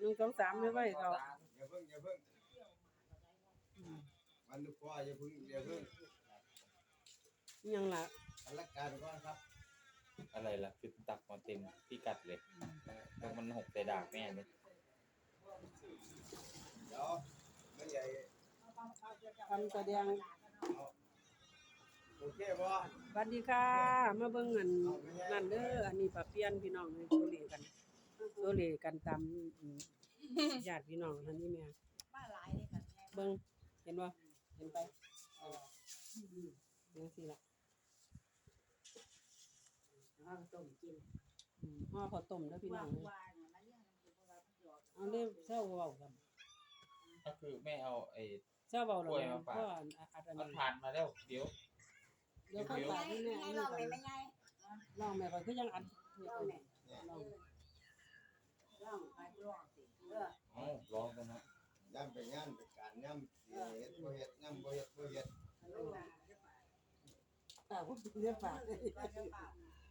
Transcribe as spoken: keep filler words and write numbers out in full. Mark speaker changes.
Speaker 1: หนึ่งสองสามไม่ไหวเขา
Speaker 2: อย่าเพิ่งอย่าเพิ่งมันลูกพ่ออย่าเพิ่งอย่าเพิ่ง
Speaker 1: ยังล่ะ
Speaker 2: อันละการก่อนครับ
Speaker 3: อะไรล่ะคือตักมาเต็มพิกัดเลยแล้วมันหกใส่ดากแม่เลย
Speaker 2: เดี๋ยวไม่ใหญ่
Speaker 1: คำแสดง
Speaker 2: โอเคบ่
Speaker 1: สวัสดีค่ะมาเบิ่งเงินนั่นเด้ออันนี้ปะเปียนพี่น้องโซเลกันโซเลกันตามญาติพี่น้องท่านนี้แม่
Speaker 4: มาหลายเลยค่ะ
Speaker 1: เบิ่งเห็นบ่เห็นไปจังซี่ล่ะ
Speaker 4: เอาต้มกิน
Speaker 1: อืมห่อข้าวต้มเด้อพี่น้
Speaker 4: ว่า
Speaker 1: อง
Speaker 4: ว่าเนี่ยมันเรื่องมันคือว่ามันหยอก
Speaker 1: เอาเด้อเช้าเว้ากัน
Speaker 3: ก็คือแม่เอาไอ้
Speaker 1: เช้าเว้าแล้วเพราะอันอัน
Speaker 3: มั
Speaker 1: นี้
Speaker 3: นผ่านมาแล้วเดี๋ยว
Speaker 1: เดี๋ยวเขาฝากนี่แม่
Speaker 4: ไง
Speaker 1: อัน
Speaker 4: ล
Speaker 1: นี้
Speaker 4: อง
Speaker 1: ก่อ
Speaker 4: เลย
Speaker 1: น
Speaker 4: ไม่ไง
Speaker 1: ลองแม่ก็คือยังอัดนี่
Speaker 4: ลอง
Speaker 1: ก่อน
Speaker 4: เนี่ย
Speaker 1: ลอง
Speaker 4: ลองไปลองสิเออ
Speaker 3: เอ้าร้องกันนะ
Speaker 2: ย่ำไปงานไปการย่ำสิเฮ็ดบ่เฮ็ดย่ำบ่เฮ็ดบ่เฮ็ด
Speaker 4: ลองมา
Speaker 1: อ่าผมเรียกฝาก
Speaker 4: เออ